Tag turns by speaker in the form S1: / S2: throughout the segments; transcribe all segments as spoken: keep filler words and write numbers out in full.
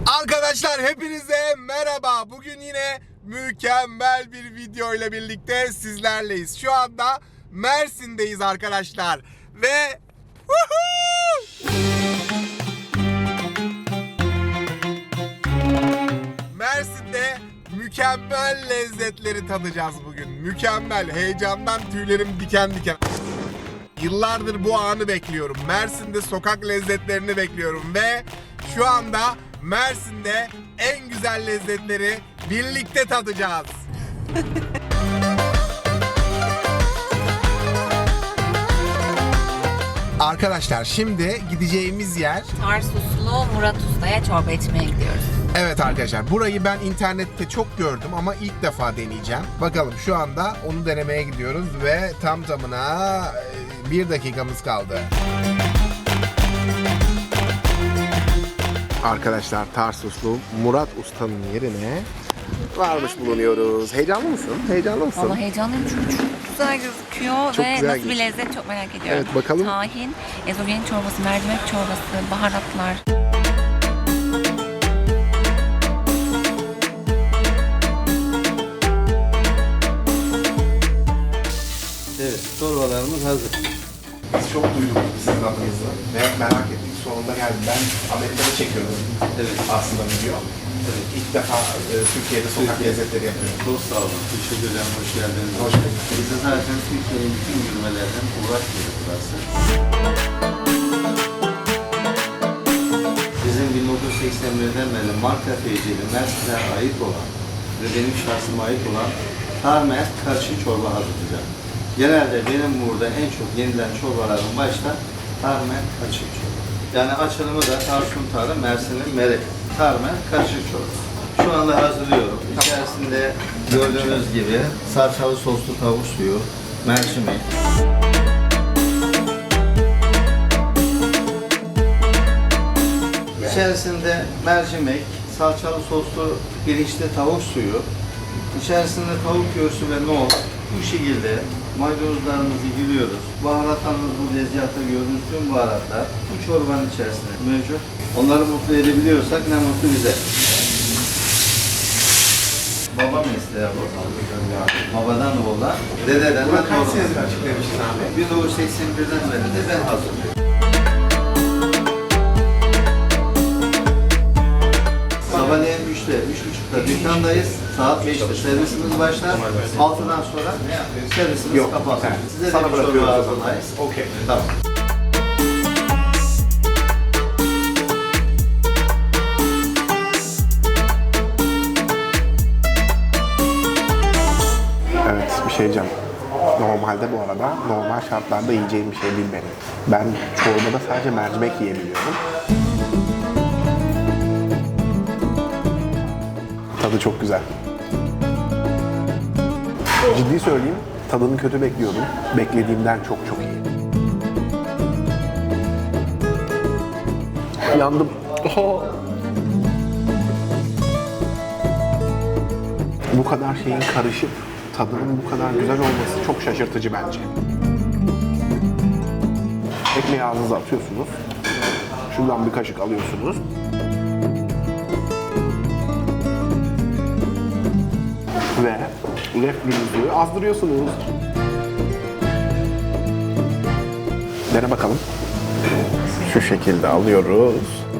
S1: Arkadaşlar hepinize merhaba. Bugün yine mükemmel bir video ile birlikte sizlerleyiz. Şu anda Mersin'deyiz arkadaşlar. Ve Mersin'de mükemmel lezzetleri tadacağız bugün. Mükemmel. Heyecandan tüylerim diken diken. Yıllardır bu anı bekliyorum. Mersin'de sokak lezzetlerini bekliyorum ve şu anda Mersin'de en güzel lezzetleri birlikte tadacağız. Arkadaşlar şimdi gideceğimiz yer
S2: Tarsuslu Murat Usta'ya çorba içmeye gidiyoruz.
S1: Evet arkadaşlar, burayı ben internette çok gördüm ama ilk defa deneyeceğim. Bakalım, şu anda onu denemeye gidiyoruz ve tam tamına bir dakikamız kaldı. Arkadaşlar, Tarsuslu Murat Usta'nın yerine varmış bulunuyoruz. Heyecanlı mısın? Heyecanlı mısın?
S2: Vallahi heyecanlıyım çünkü çok güzel gözüküyor
S1: Çok
S2: ve
S1: güzel
S2: nasıl bir
S1: gözüküyor.
S2: lezzet çok merak ediyorum.
S1: Evet, bakalım.
S2: Tahin, ezogelin çorbası, mercimek çorbası, baharatlar.
S3: Evet, çorbalarımız hazır.
S1: Biz çok duyduk sizin adınızı ve merak ettik. Sonunda geldi. Ben Amerika'da çekiyorum.
S3: Evet.
S1: Aslında video.
S3: Evet.
S1: İlk defa e, Türkiye'de sokak
S3: Türkiye.
S1: lezzetleri yapıyorum.
S3: Çok sağ olun. Teşekkür ederim. Hoş geldiniz.
S1: Hoş bulduk.
S3: Biz de zaten Türkiye'nin bütün yürümelerden uğraş yeri burası. Bizim bin dokuz yüz seksen birden beri marka tecili Mersin'e ait olan ve benim şahsıma ait olan tarmer karşı çorba hazırlayacağım. Genelde benim burada en çok yenilen çorbaların başta tarmer karışık çorba. Yani açılımı da Tarsun Tarı, Mersin'in Merek. Tarmer karışık çorba. Şu anda hazırlıyorum. İçerisinde gördüğünüz gibi salçalı soslu tavuk suyu, mercimek. İçerisinde mercimek, salçalı soslu pirinçli tavuk suyu, içerisinde tavuk göğsü ve nohut. Bu şekilde maydanozlarımızı giriyoruz. Baharatlarımız bu lezzetli gördüğünüz tüm baharatlar bu çorbanın içerisinde mevcut. Onları mutlu edebiliyorsak ne mutlu bize. Baba mesleği bu. Babadan oğula, dededen de
S1: Kaç
S3: toruna.
S1: senedir açıklamışsın abi?
S3: bin dokuz yüz seksen birden beri de ben hazırlıyorum. Sabahleyin üçte, üç buçukta dükkandayız. Saat beşte servisimiz başlar. altıdan sonra servisimiz
S1: Yok,
S3: kapatır.
S1: güzel.
S3: Size
S1: Sana
S3: de bir çorba
S1: bırakıyoruz o zaman.
S3: hazırlayız.
S1: Okey.
S3: Tamam.
S1: Evet, bir şey diyeceğim. Normalde bu arada normal şartlarda yiyeceğim bir şey değil benim. Ben çorbada sadece mercimek yiyebiliyorum. Tadı çok güzel. Ciddi söyleyeyim, tadını kötü bekliyordum. Beklediğimden çok çok iyi. Yandım. Oho. Bu kadar şeyin karışıp tadının bu kadar güzel olması çok şaşırtıcı bence. Ekmeği ağzınıza atıyorsunuz. Şuradan bir kaşık alıyorsunuz. Ve reflünüzü azdırıyorsunuz. Dene bakalım. Şu şekilde alıyoruz.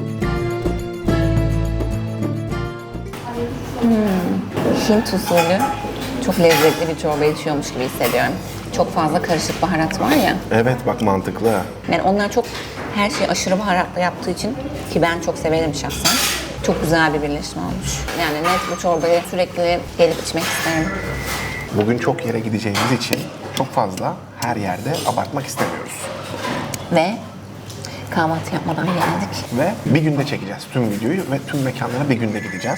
S2: Hint usulü çok lezzetli bir çorba içiyormuş gibi hissediyorum. Çok fazla karışık baharat var ya.
S1: Evet, bak mantıklı.
S2: Yani onlar çok her şeyi aşırı baharatla yaptığı için ki ben çok severim şahsen. Çok güzel bir birleşme olmuş. Yani net bu çorbayı sürekli gelip içmek isterim.
S1: Bugün çok yere gideceğimiz için çok fazla her yerde abartmak istemiyoruz.
S2: Ve kahvaltı yapmadan geldik.
S1: Ve bir günde çekeceğiz tüm videoyu ve tüm mekanlara bir günde gideceğiz.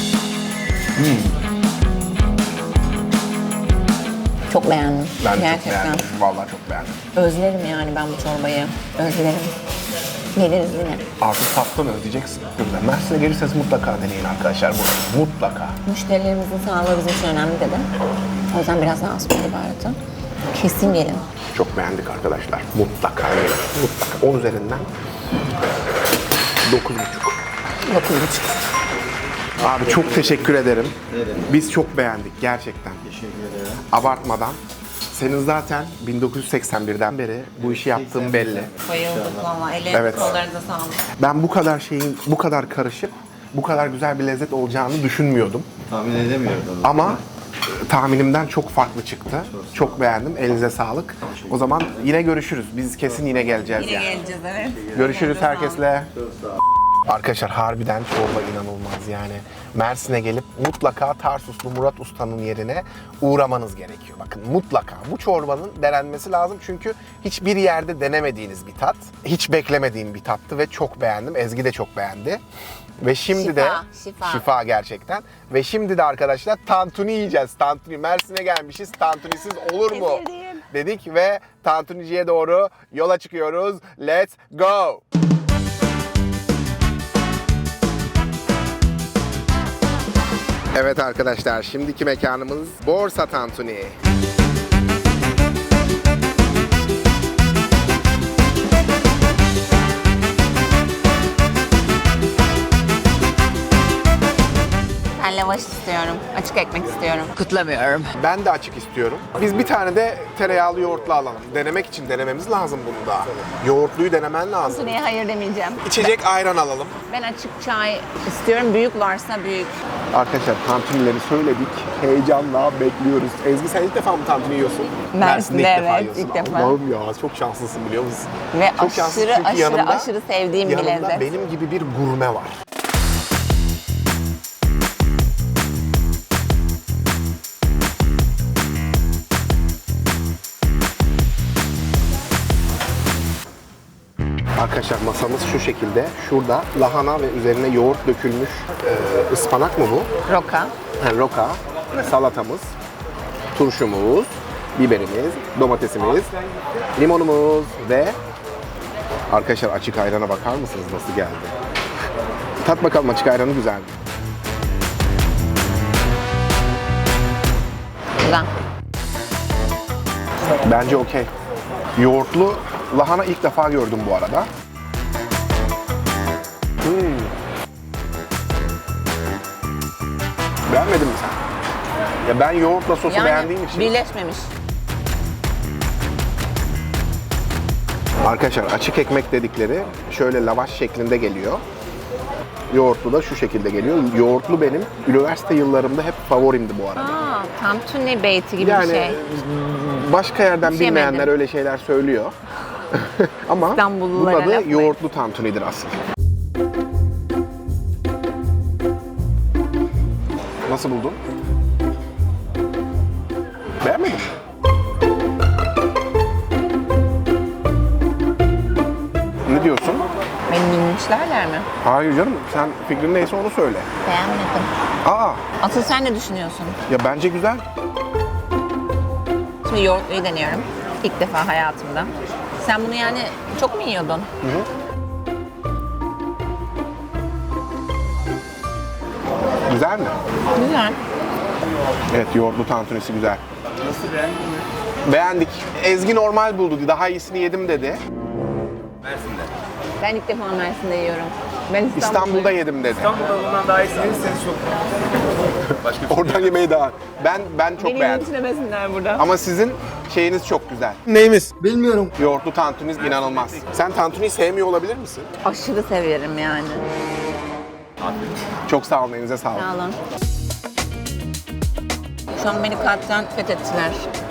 S2: Çok beğendim.
S1: Ben de çok
S2: Gerçekten.
S1: beğendim. Vallahi çok beğendim.
S2: Özlerim yani ben bu çorbayı. Özlerim. Geliriz yine.
S1: Artık tatlı özleyeceksin. Mersin'e gelirseniz mutlaka deneyin arkadaşlar burayı. Mutlaka.
S2: Müşterilerimizin sağlığı bizim için önemli dedi. O yüzden biraz daha az koydu baharatı. Kesin gelin.
S1: Çok beğendik arkadaşlar. Mutlaka gelin. Mutlaka. on üzerinden dokuz buçuk.
S2: Dokuz buçuk.
S1: Abi çok teşekkür ederim.
S3: Evet.
S1: Biz çok beğendik gerçekten.
S3: Teşekkür ederim.
S1: Abartmadan. Senin zaten bin dokuz yüz seksen birden beri bu işi yaptığın belli.
S2: Bayıldık valla. Ellerinize
S1: Evet.
S2: kollarınıza sağlık.
S1: Ben bu kadar şeyin bu kadar karışık, bu kadar güzel bir lezzet olacağını düşünmüyordum.
S3: Tahmin edemiyordum.
S1: Ama e, tahminimden çok farklı çıktı. Çok beğendim. Elinize sağlık. O zaman yine görüşürüz. Biz kesin yine geleceğiz
S2: Yine
S1: yani.
S2: geleceğiz evet.
S1: Görüşürüz
S2: Ellerinize sağlık.
S1: herkesle.
S3: Çok sağ ol.
S1: Arkadaşlar harbiden çorba inanılmaz yani. Mersin'e gelip mutlaka Tarsuslu Murat Usta'nın yerine uğramanız gerekiyor. Bakın mutlaka bu çorbanın denenmesi lazım çünkü hiçbir yerde denemediğiniz bir tat. Hiç beklemediğim bir tattı ve çok beğendim. Ezgi de çok beğendi. Ve şimdi
S2: Şifa,
S1: de
S2: şifa.
S1: şifa gerçekten. Ve şimdi de arkadaşlar tantuni yiyeceğiz. Tantuni. Mersin'e gelmişiz. Tantunisiz olur mu?
S2: Sevdiğim.
S1: Dedik ve tantuniciye doğru yola çıkıyoruz. Let's go. Evet arkadaşlar, şimdiki mekanımız Borsa Tantuni.
S2: Ben lavaş istiyorum. Açık ekmek istiyorum.
S4: Kutlamıyorum.
S1: Ben de açık istiyorum. Biz bir tane de tereyağlı yoğurtlu alalım. Denemek için denememiz lazım bunu da. Yoğurtluyu denemen lazım.
S2: Tantuniye hayır demeyeceğim.
S1: İçecek ayran alalım.
S2: Ben açık çay istiyorum. Büyük varsa büyük.
S1: Arkadaşlar tantunileri söyledik. Heyecanla bekliyoruz. Ezgi sen ilk defa mı tantuni yiyorsun?
S2: Mersin'de evet,
S1: yiyorsun.
S2: ilk defa.
S1: Allah'ım ya çok şanslısın biliyor musun?
S2: Ve
S1: Çok şanslısın
S2: aşırı
S1: çünkü
S2: aşırı
S1: yanımda-
S2: aşırı sevdiğim bir
S1: Yanımda
S2: lezzet.
S1: benim gibi bir gurme var. Arkadaşlar masamız şu şekilde. Şurada lahana ve üzerine yoğurt dökülmüş e, ıspanak mı bu?
S2: Roka.
S1: Ha, roka, salatamız, turşumuz, biberimiz, domatesimiz, limonumuz ve arkadaşlar açık ayrana bakar mısınız nasıl geldi? Tat bakalım açık ayranı güzel mi?
S2: Güzel.
S1: Bence okey. Yoğurtlu lahana ilk defa gördüm bu arada. Hmm. Beğenmedin mi sen? Ya ben yoğurtla sosu beğendiğim için.
S2: birleşmemiş.
S1: Arkadaşlar açık ekmek dedikleri şöyle lavaş şeklinde geliyor. Yoğurtlu da şu şekilde geliyor. Yoğurtlu benim üniversite yıllarımda hep favorimdi bu arada.
S2: Aa, tantuni beyti gibi
S1: Yani
S2: bir şey.
S1: başka yerden
S2: Hiç
S1: bilmeyenler
S2: yemedim.
S1: öyle şeyler söylüyor. Ama bunun
S2: İstanbullulara
S1: adı
S2: laf koy.
S1: yoğurtlu tantunidir asıl. Nasıl buldun? Beğenmedin mi? Ne diyorsun?
S2: Beni minmişlerler mi?
S1: Hayır canım, sen fikrin neyse onu söyle.
S2: Beğenmedim.
S1: Aa,
S2: Asıl sen ne düşünüyorsun?
S1: ya bence güzel.
S2: Şimdi yoğurtluyu deniyorum. İlk defa hayatımda. Sen bunu yani çok mu yiyordun?
S1: Güzel mi?
S2: Güzel.
S1: Evet, yoğurtlu tantunisi güzel.
S3: Nasıl beğendin mi?
S1: Beğendik. Ezgi normal buldu. Daha iyisini yedim dedi.
S3: Mersin'de.
S2: Ben ilk defa Mersin'de yiyorum. Ben İstanbul'da
S1: İstanbul'da yedim dedi.
S3: İstanbul'da bundan daha iyisini yerirseniz çok başka bir şey
S1: Oradan yemeği daha. Ben ben çok
S2: Beni
S1: beğendim.
S2: yetiştiremesinler burada.
S1: Ama sizin şeyiniz çok güzel.
S5: Neyimiz? Bilmiyorum.
S1: Yoğurtlu tantuniniz inanılmaz. Sen tantuniyi sevmiyor olabilir misin?
S2: Aşırı severim yani.
S1: Çok sağ olun, elinize sağlık.
S2: Sağ olun. Şu an beni kalpten fethettiler.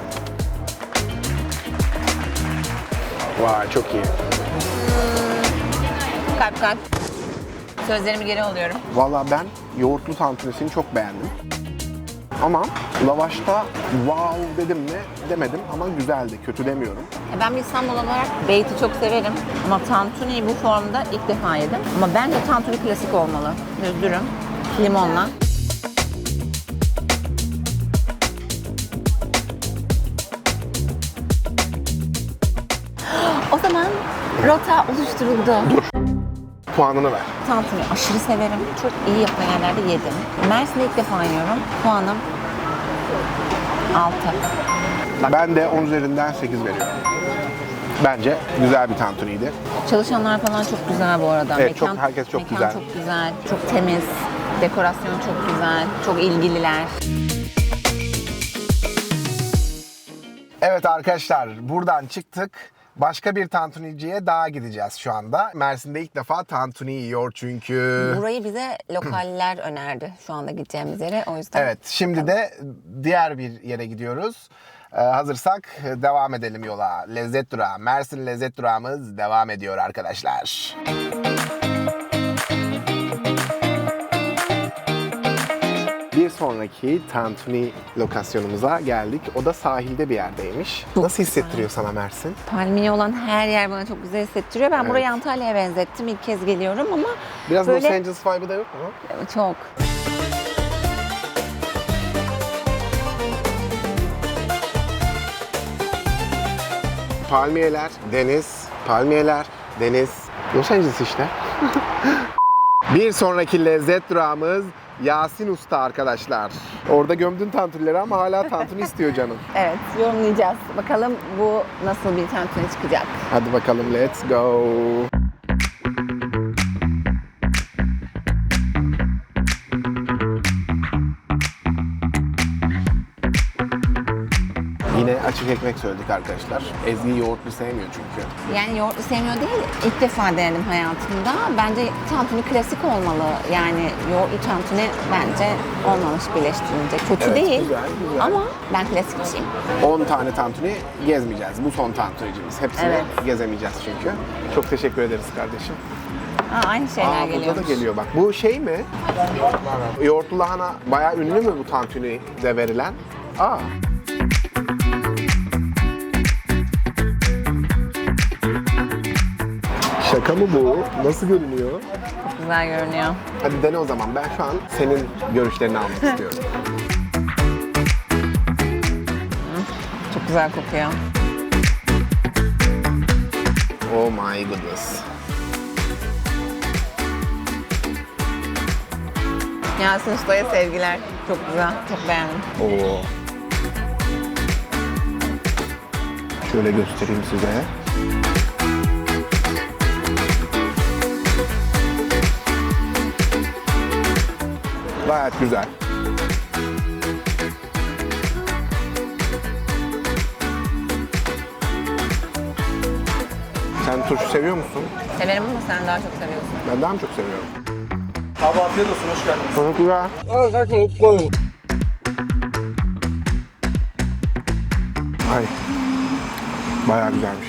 S1: Vay çok iyi.
S2: Kalp kalp. Sözlerimi geri alıyorum.
S1: Vallahi ben yoğurtlu tantunisini çok beğendim. Ama lavaşta wow dedim mi demedim ama güzeldi. Kötü demiyorum.
S2: E, Ben bir İstanbul olarak beyti çok severim. Ama tantuniyi bu formda ilk defa yedim. Ama bence tantuni klasik olmalı. Düz dürüm, limonla. O zaman rota oluşturuldu.
S1: Puanını ver.
S2: Tantuni aşırı severim. Çok iyi yapan yerlerde yedim. Mersin'de ilk defa yiyorum. Puanım altı.
S1: Ben de on üzerinden sekiz veriyorum. Bence güzel bir tantuniydi.
S2: Çalışanlar falan çok güzel bu arada.
S1: Evet, çok- herkes çok
S2: mekan
S1: güzel.
S2: çok güzel, çok temiz. Dekorasyon çok güzel, çok ilgililer.
S1: Evet arkadaşlar, buradan çıktık. Başka bir tantuniciye daha gideceğiz şu anda. Mersin'de ilk defa tantuni yiyor çünkü.
S2: Burayı bize lokaller önerdi şu anda gideceğimiz yere. O yüzden
S1: Evet, şimdi de diğer bir yere gidiyoruz. Ee, hazırsak devam edelim yola. Lezzet Durağı, Mersin Lezzet Durağımız devam ediyor arkadaşlar. Bir sonraki tantuni lokasyonumuza geldik. O da sahilde bir yerdeymiş.
S2: Çok
S1: Nasıl
S2: güzel.
S1: hissettiriyor sana Mersin?
S2: palmiye olan her yer bana çok güzel hissettiriyor. Ben
S1: Evet.
S2: burayı Antalya'ya benzettim. İlk kez geliyorum ama
S1: Biraz
S2: böyle
S1: Los Angeles vibe'ı da yok mu?
S2: çok.
S1: Palmiyeler, deniz, palmiyeler, deniz. Los Angeles işte. Bir sonraki lezzet durağımız Yasin Usta arkadaşlar. Orada gömdün tantunileri ama hala tantuni istiyor canım.
S2: Evet, yorumlayacağız. Bakalım bu nasıl bir tantuni çıkacak.
S1: Hadi bakalım, let's go. Yine açık ekmek söyledik arkadaşlar. Ezgi yoğurtlu sevmiyor çünkü.
S2: Yani yoğurtlu sevmiyor değil, ilk defa denedim hayatımda. Bence tantuni klasik olmalı. Yani yoğurtlu tantuni bence olmamış birleştirilince. Kötü
S1: Evet,
S2: değil
S1: güzel, güzel.
S2: ama ben klasikçiyim.
S1: on tane tantuni gezmeyeceğiz. Bu son tantunicimiz. Hepsini
S2: Evet.
S1: gezemeyeceğiz çünkü. Çok teşekkür ederiz kardeşim.
S2: Aa, aynı şeyler
S1: Aa,
S2: geliyor.
S1: burada da geliyor bak. Bu şey mi? Yoğurtlu lahana bayağı ünlü mü bu tantuni'de verilen? Aa. Şaka mı bu? Nasıl görünüyor?
S2: Çok güzel görünüyor.
S1: Hadi dene o zaman. Ben şu an senin görüşlerini almak istiyorum.
S2: Çok güzel kokuyor.
S1: Oh my goodness.
S2: Yasin Usta'ya sevgiler. Çok güzel, çok beğendim.
S1: Oo. Şöyle göstereyim size. Gayet güzel. Sen turşu seviyor musun?
S2: Severim ama sen daha çok seviyorsun.
S1: Ben daha mı çok seviyorum?
S3: Abi afiyet olsun, hoş geldiniz.
S1: Teşekkürler. Ay. Bayağı güzelmiş.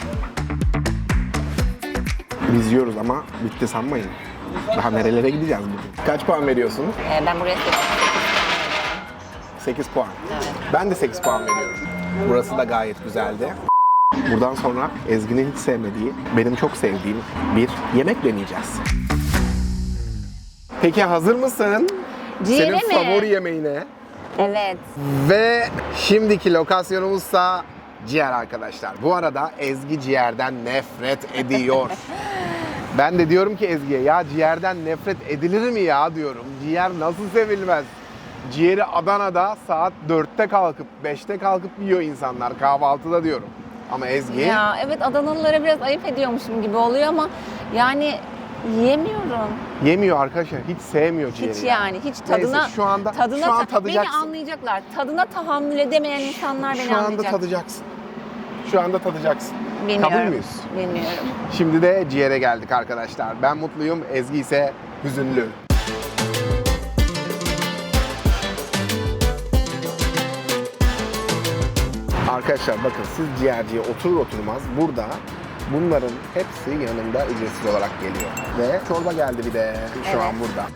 S1: Biz yiyoruz ama bitti sanmayın. Daha nerelere gideceğiz bugün? Kaç puan veriyorsun?
S2: Ee, ben buraya seviyorum.
S1: sekiz puan.
S2: Evet.
S1: Ben de sekiz puan veriyorum. Burası da gayet güzeldi. Buradan sonra Ezgi'nin hiç sevmediği, benim çok sevdiğim bir yemek deneyeceğiz. Peki hazır mısın?
S2: Ciğere
S1: Senin
S2: mi?
S1: favori yemeğine.
S2: Evet.
S1: Ve şimdiki lokasyonumuzsa ciğer arkadaşlar. Bu arada Ezgi ciğerden nefret ediyor. Ben de diyorum ki Ezgi'ye, ya ciğerden nefret edilir mi ya diyorum. Ciğer nasıl sevilmez? Ciğeri Adana'da saat dörtte kalkıp beşte kalkıp yiyor insanlar kahvaltıda diyorum. Ama Ezgi
S2: Ya evet, Adanalılara biraz ayıp ediyormuşum gibi oluyor ama yani yemiyorum.
S1: yemiyor arkadaşlar. Hiç sevmiyor ciğeri.
S2: Hiç yani hiç tadına
S1: Neyse, şu anda
S2: tadına
S1: şu an
S2: ta- beni
S1: tadacaksın.
S2: anlayacaklar. Tadına tahammül edemeyen insanlar beni
S1: Şu anda
S2: anlayacak.
S1: tadacaksın. Şu anda tadacaksın.
S2: Bilmiyorum.
S1: Kabul müyüz?
S2: Bilmiyorum.
S1: Şimdi de ciğere geldik arkadaşlar. Ben mutluyum, Ezgi ise hüzünlü. Arkadaşlar bakın, siz ciğerciye oturur oturmaz burada bunların hepsi yanında ücretsiz olarak geliyor. Ve çorba geldi bir de şu
S2: Evet.
S1: an burada.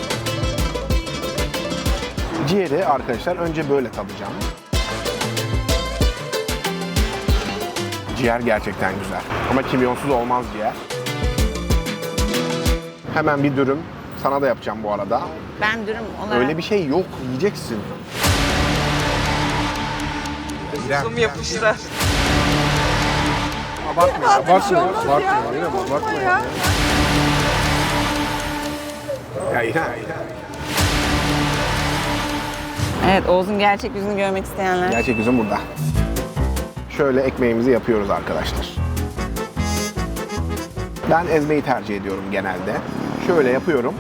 S1: Ciğeri arkadaşlar önce böyle tadacağım. Ciğer gerçekten güzel. Ama kimyonsuz olmaz ciğer. Hemen bir dürüm. Sana da yapacağım bu arada.
S2: Ben dürüm olarak...
S1: Öyle bir şey yok. Yiyeceksin.
S4: Zoom yapıştı.
S1: Abartma. Abartma. Abartma. Abartma. Abartma ya. Ya İlhan.
S2: Evet, Oğuz'un gerçek yüzünü görmek isteyenler.
S1: Gerçek yüzüm burada. Şöyle ekmeğimizi yapıyoruz arkadaşlar. Ben ezmeyi tercih ediyorum genelde. Şöyle yapıyorum.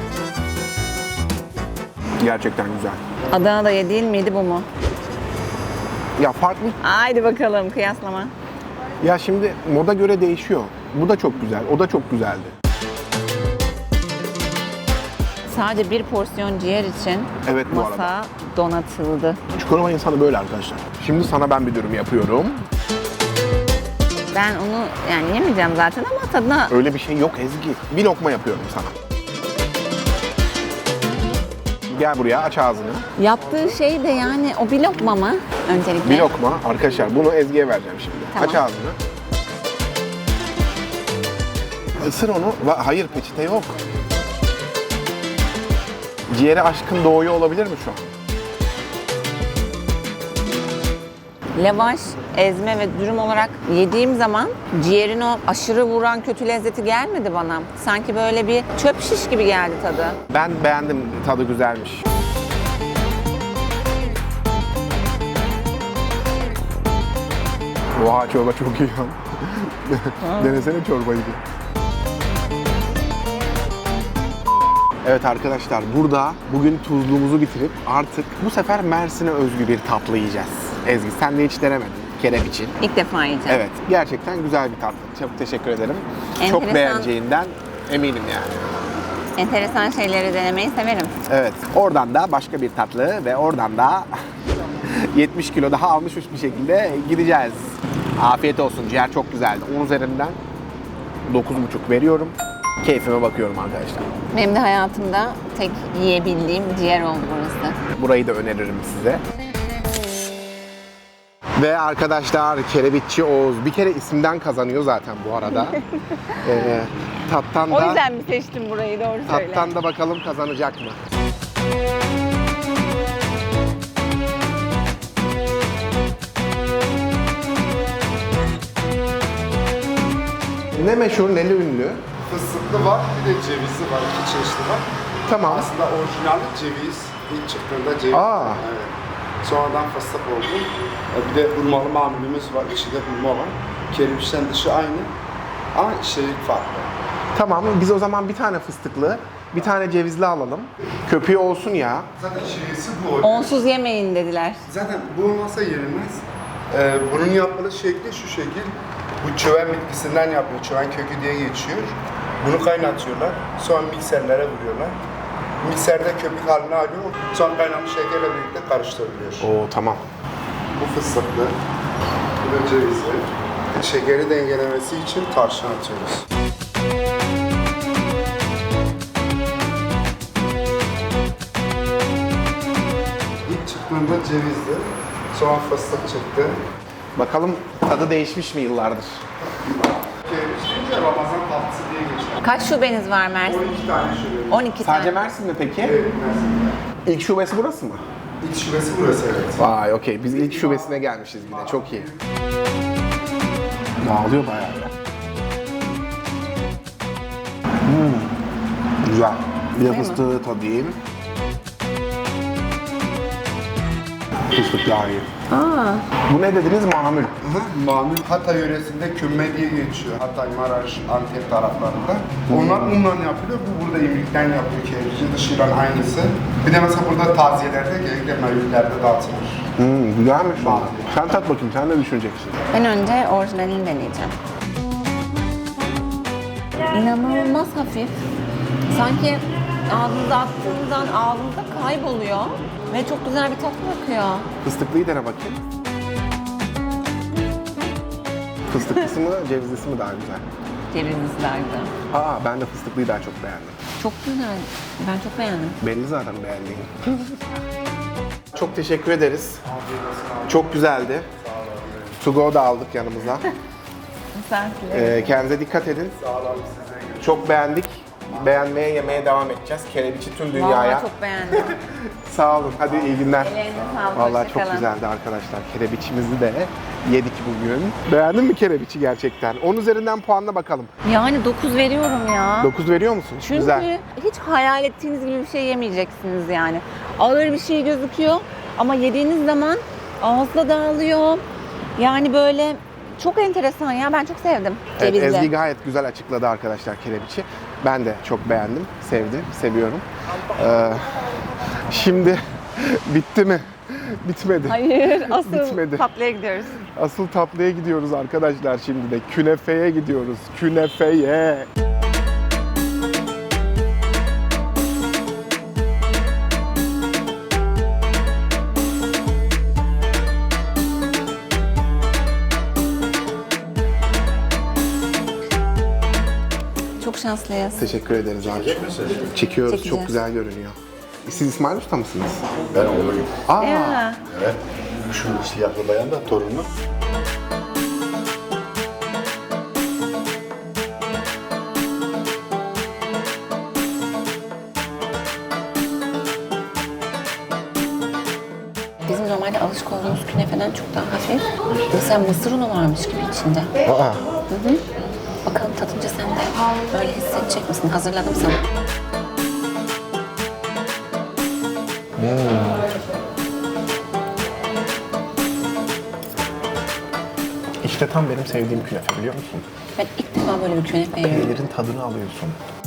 S1: Gerçekten güzel.
S2: Adana'da yediğin miydi bu mu?
S1: Ya farklı.
S2: Haydi bakalım kıyaslama.
S1: Ya şimdi moda göre değişiyor. Bu da çok güzel. O da çok güzeldi.
S2: Sadece bir porsiyon ciğer için
S1: Evet, bu
S2: masa
S1: arada.
S2: donatıldı.
S1: Çukurova insanı böyle arkadaşlar. Şimdi sana ben bir dürüm yapıyorum.
S2: Ben onu yani yemeyeceğim zaten ama tadına...
S1: Öyle bir şey yok Ezgi. Bir lokma yapıyorum sana. Gel buraya, aç ağzını.
S2: Yaptığı şey de yani o bir lokma mı öncelikle?
S1: Bir lokma. Arkadaşlar bunu Ezgi'ye vereceğim şimdi.
S2: Tamam.
S1: Aç ağzını. Isır onu. Va- Hayır, peçete yok. Ciğere aşkın doğuyor olabilir mi şu an?
S2: Lavaş, ezme ve dürüm olarak yediğim zaman ciğerin o aşırı vuran kötü lezzeti gelmedi bana. Sanki böyle bir çöp şiş gibi geldi tadı.
S1: Ben beğendim. Tadı güzelmiş. Oha, çorba çok iyi ya. Denesene çorbayı. Evet arkadaşlar, burada bugün tuzluğumuzu bitirip artık bu sefer Mersin'e özgü bir tatlı yiyeceğiz. Ezgi, sen de hiç denemedin kerebiçi.
S2: İlk defa yiyeceğim.
S1: Evet, gerçekten güzel bir tatlı. Çok teşekkür ederim. Çok
S2: Enteresan.
S1: beğeneceğinden eminim yani.
S2: Enteresan şeyleri denemeyi severim.
S1: Evet, oradan da başka bir tatlı ve oradan da yetmiş kilo daha almışmış bir şekilde gideceğiz. Afiyet olsun, ciğer çok güzeldi. on üzerinden dokuz buçuk veriyorum. Keyfime bakıyorum arkadaşlar.
S2: Benim de hayatımda tek yiyebildiğim ciğer oldu burası.
S1: Burayı da öneririm size. Ve arkadaşlar, Kerebitçi Oğuz bir kere isimden kazanıyor zaten bu arada. ee, tattan
S2: O
S1: da
S2: yüzden mi seçtim burayı, doğru söyle.
S1: tattan da bakalım kazanacak mı? Ne meşhur, neli ünlü?
S5: Fıstıklı var, bir de cevizli var, iki çeşitli var.
S1: Tamam.
S5: Aslında orijinali ceviz, ilk çıktığında ceviz.
S1: Aa.
S5: Evet. Sonradan fıstık oldu. E, Bir de hurmalı mamulümüz var, içinde hurma var. Kerebiçten dışı aynı ama içerik farklı.
S1: Tamam, biz o zaman bir tane fıstıklı, bir tane cevizli alalım. Köpüğü olsun ya.
S5: Zaten şivesi bu oluyor.
S2: Onsuz yemeyin dediler.
S5: Zaten bu olmasa yenilmez. Ee, bunun yapılış şekli şu şekil. Bu çöven bitkisinden yapıyor. Çöven kökü diye geçiyor. Bunu kaynatıyorlar. Sonra mikserlere vuruyorlar. Mikserde köpük halini alıyor. Sonra kaynamış şekerle birlikte karıştırılıyor.
S1: Oo, tamam.
S5: Bu fıstıklı. Bu da cevizli. Şekeri dengelemesi için tarçın atıyoruz. İlk çıktığında cevizli. Sonra fıstık çıktı.
S1: Bakalım tadı değişmiş mi yıllardır?
S5: Kerebiç Ramazan tatlısı diye geçiyor.
S2: Kaç şubeniz var Mersin?
S5: on iki tane şöyle.
S2: on iki
S1: Sadece
S2: tane.
S1: Mersin mi peki?
S5: Evet, Mersin'de.
S1: İlk şubesi burası mı?
S5: İlk şubesi burası, evet.
S1: Vay, okey. Biz ilk şubesine gelmişiz yine. Çok iyi. Dağılıyor bayağı ya. Hmm. Güzel. Bir de
S2: Değil mi?
S1: fıstığı tadayım. Fıstık daha iyi.
S2: Aa,
S1: Bu ne dediniz? Mamül.
S5: Mamül Hatay yöresinde kümme diye geçiyor. Hatay, Maraş, Antep taraflarında. Onlar unla yapılıyor. Bu burada imlikten yapıyor. Kerebiçin dışıyla aynısı. Bir de mesela burada taziyelerde, genellikle mevlütlerde dağıtılır.
S1: Hmm, güzelmiş o. Sen tat bakayım. Sen ne düşüneceksin?
S2: ben önce orijinalini deneyeceğim. İnanılmaz hafif. Sanki ağzınıza attığınız an ağzınızda kayboluyor. Ve çok güzel bir tat bırakıyor.
S1: Fıstıklıyı dene bakayım. Fıstıklısı mı, cevizlisi mi daha güzel?
S2: Cevizlerde.
S1: Aa, ben de fıstıklıyı daha çok beğendim.
S2: Çok güzel. Ben çok beğendim.
S1: Belli zaten beğendiğin. Çok teşekkür ederiz. Çok güzeldi. To go da aldık yanımıza.
S2: Misafirler.
S1: Ee, kendinize dikkat edin. Çok beğendik. Beğenmeye, yemeye devam edeceğiz. Kerebiçi tüm dünyaya.
S2: Vallahi çok beğendim.
S1: Sağ olun. Hadi iyi günler.
S2: Ellerine sağlık.
S1: Vallahi
S2: hoşça
S1: çok
S2: kalın.
S1: güzeldi arkadaşlar. Kerebiçimizi de yedik bugün. Beğendin mi kerebiçi gerçekten? on üzerinden puanla bakalım.
S2: Yani dokuz veriyorum ya.
S1: dokuz veriyor musun?
S2: Çünkü
S1: Güzel.
S2: hiç hayal ettiğiniz gibi bir şey yemeyeceksiniz yani. Ağır bir şey gözüküyor ama yediğiniz zaman ağızda dağılıyor. Yani böyle çok enteresan ya. Ben çok sevdim.
S1: Evet,
S2: Cevizli.
S1: Ezgi gayet güzel açıkladı arkadaşlar kerebiçi. Ben de çok beğendim, sevdim, seviyorum. Ee, şimdi bitti mi? Bitmedi.
S2: Hayır, asıl
S1: Bitmedi.
S2: tatlıya gidiyoruz.
S1: Asıl tatlıya gidiyoruz arkadaşlar şimdi de. Künefeye gidiyoruz. Künefeye.
S2: Çok şanslıyız.
S1: Teşekkür ederiz abi. Çekiyoruz. Çok
S2: Çekeceğiz.
S1: güzel görünüyor. Siz İsmail Usta mısınız?
S5: Ben oğluyum.
S1: Aa,
S2: Ya.
S5: Evet. Şu siyahlı bayan da torunu.
S2: Bizim normalde alışık olduğumuz künefeden çok daha hafif. Mesela mısır unu varmış gibi içinde.
S1: aa.
S2: Bakalım tadınca sen de böyle hissedecek misin? Hazırladım sana.
S1: İşte tam benim sevdiğim künefe biliyor musun?
S2: Ben ilk defa böyle bir künefe yiyorum.
S1: Peynirin tadını alıyorsun.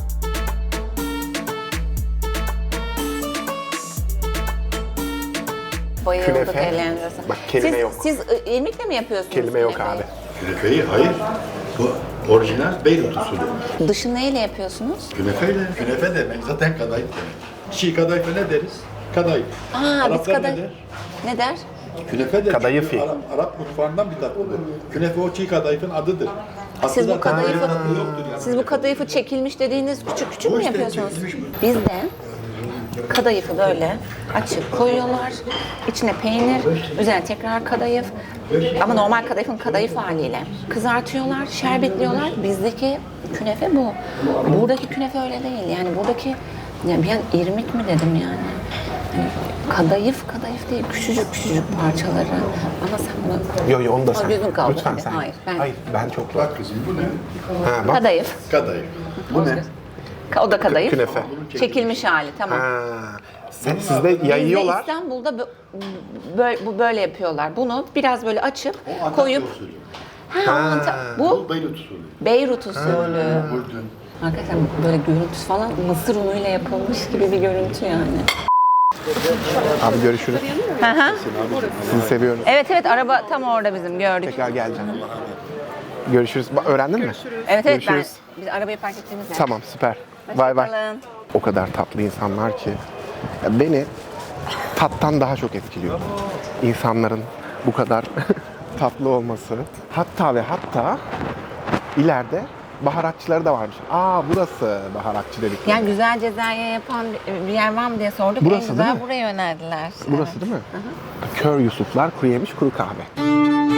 S2: Bayıldık
S1: Künefe.
S2: ellerinize sağlık.
S1: Bak, kelime
S2: siz,
S1: yok.
S2: Siz ı, irmikle mi yapıyorsunuz
S1: Kelime yok
S2: künefeyi?
S1: abi.
S6: Künefeyi hayır. Bu orijinal Beyrut usulü.
S2: Dışı neyle yapıyorsunuz?
S6: Künefeyle. Künefe demek zaten kadayıf demek. Çiğ kadayıfa ne deriz? Kadayıf.
S2: Aa, biz
S6: Araplar
S2: kadar...
S6: ne der?
S2: Ne der?
S6: Künefe de
S1: Kadayıf
S6: çünkü
S1: iyi.
S6: Arap, Arap mutfağından bir tatlıdır. Künefe o çiğ kadayıfın adıdır.
S2: Siz bu
S6: Aslında
S2: kadayıfı,
S6: tatlı yoktur yani.
S2: siz bu kadayıfı çekilmiş dediğiniz küçük küçük
S6: Bu
S2: mü
S6: işte
S2: yapıyorsunuz?
S6: çekilmiş bu.
S2: Biz de kadayıfı böyle açıp koyuyorlar. İçine peynir, üzerine tekrar kadayıf. Ama normal kadayıfın kadayıf haliyle. Kızartıyorlar, şerbetliyorlar. Bizdeki künefe bu. Buradaki künefe öyle değil. Yani buradaki, ya bir an irmik mi dedim yani. Hani kadayıf kadayıf değil, küçücük küçücük parçaları. Bana sen bunu...
S1: Yo yo onu da
S2: Aa,
S1: sen.
S2: gözün kaldı
S1: Lütfen
S2: tabii.
S1: sen.
S2: Hayır, ben-
S1: Hayır ben çok
S6: Bak kızım bu ne?
S1: Ha, bak.
S2: Kadayıf.
S6: Kadayıf. Bu ne?
S2: O da kadayıf.
S1: Künefe.
S2: Çekilmiş hali, tamam.
S1: Ha. Sen, sizde
S2: Bizde
S1: yayıyorlar.
S2: İstanbul'da bö- böyle, bu böyle yapıyorlar. Bunu biraz böyle açıp
S6: O Antakya
S2: koyup...
S6: usulü.
S2: Ha, Anta- bu
S6: Bu Beyrut usulü.
S2: Beyrut usulü.
S6: Ürdün.
S2: Arkadaşlar böyle görüntüsü falan mısır unuyla yapılmış gibi bir görüntü yani.
S1: Abi görüşürüz.
S2: Hı hı.
S1: Sizi seviyorum.
S2: Evet evet, araba tam orada bizim, gördük.
S1: Tekrar geleceğim. Görüşürüz. Ba- Öğrendin mi?
S2: Evet evet, ben,
S1: Görüşürüz.
S2: biz arabayı park ettiğimiz yer.
S1: Tamam süper. Bay bay.
S2: Hoşçakalın.
S1: O kadar tatlı insanlar ki ya beni tattan daha çok etkiliyor. İnsanların bu kadar tatlı olması. Hatta ve hatta ileride baharatçıları da varmış. Aa burası baharatçı dedikleri.
S2: Yani güzel Cezayir yapan bir- bir yer var mı diye sorduk.
S1: Burası
S2: en güzel
S1: değil mi?
S2: buraya önerdiler.
S1: Burası değil mi? Kör Yusuflar kuru yemiş kuru kahve.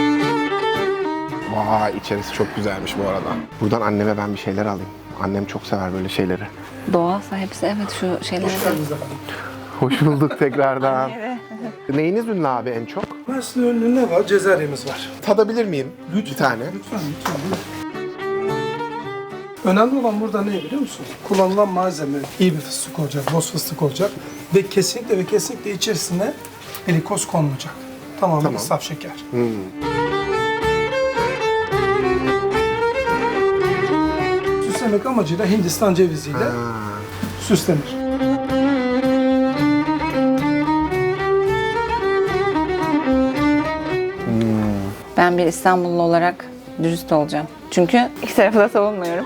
S1: Vay içerisi çok güzelmiş bu arada. Buradan anneme ben bir şeyler alayım. Annem çok sever böyle şeyleri.
S2: Doğalsa hepsi, evet, şu şeyler.
S1: Hoş bulduk tekrardan. Neyiniz ünlü abi en çok?
S7: Mersin ünlü ne var? Cezeryemiz var.
S1: Tadabilir miyim? Bir tane.
S7: Lütfen, lütfen. Önemli olan burada ne biliyor musun? Kullanılan malzeme iyi bir fıstık olacak, boz fıstık olacak ve kesinlikle ve kesinlikle içerisine glikoz konmayacak. Tamamen
S1: Tamam.
S7: saf şeker. Süslemek amacıyla Hindistan ceviziyle süslenir.
S2: Ben bir İstanbullu olarak dürüst olacağım. Çünkü iki tarafı da savunmuyorum.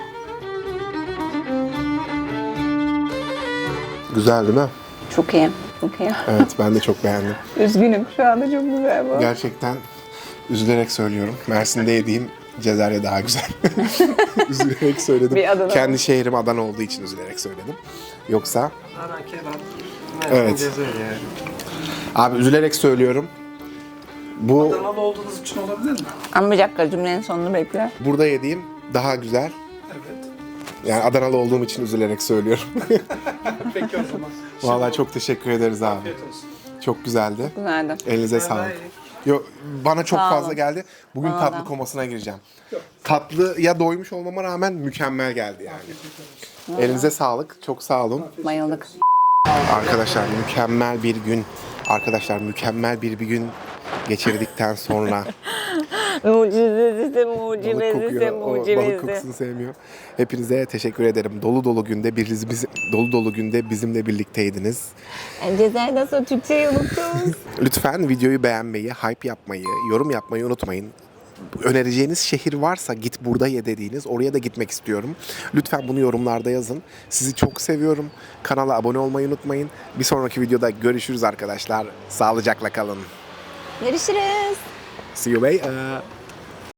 S1: Güzel değil mi?
S2: Çok iyi. Çok iyi.
S1: Evet ben de çok beğendim.
S2: Üzgünüm. Şu anda çok güzel bu.
S1: Gerçekten üzülerek söylüyorum. Mersin'de yediğim Cezerye daha güzel. üzülerek söyledim.
S2: Bir Adana.
S1: Kendi şehrim Adana olduğu için üzülerek söyledim. Yoksa
S7: Adana kebap.
S1: Evet. abi üzülerek söylüyorum. Bu
S7: Adanalı olduğunuz için olabilir mi?
S2: Ama bir dakika, cümlenin sonunu bekle.
S1: burada yediğim daha güzel.
S7: Evet.
S1: Yani Adanalı olduğum için üzülerek söylüyorum.
S7: Peki o zaman.
S1: Vallahi çok teşekkür ederiz abi.
S7: Afiyet olsun.
S1: Çok güzeldi.
S2: Güzeldi.
S1: Elinize sağlık. Yo, bana çok
S2: Sağ
S1: fazla
S2: olun.
S1: geldi. Bugün
S2: Bana
S1: tatlı
S2: da.
S1: komasına gireceğim. Tatlıya doymuş olmama rağmen mükemmel geldi yani. Elinize sağlık. Çok sağ olun.
S2: Bayıldık.
S1: Arkadaşlar mükemmel bir gün. Arkadaşlar mükemmel bir bir gün geçirdikten sonra
S2: Mucizesi,
S1: Balık
S2: mucizesi,
S1: kokuyor. O balık
S2: mucizesi.
S1: kokusunu sevmiyor. Hepinize teşekkür ederim. Dolu dolu günde biz, biz dolu dolu günde bizimle birlikteydiniz.
S2: Cezayir'den sonra Türkçeyi unuttunuz.
S1: Lütfen videoyu beğenmeyi, hype yapmayı, yorum yapmayı unutmayın. Önereceğiniz şehir varsa git burada ye dediğiniz oraya da gitmek istiyorum. Lütfen bunu yorumlarda yazın. Sizi çok seviyorum. Kanala abone olmayı unutmayın. Bir sonraki videoda görüşürüz arkadaşlar. Sağlıcakla kalın.
S2: Görüşürüz.
S1: See you later.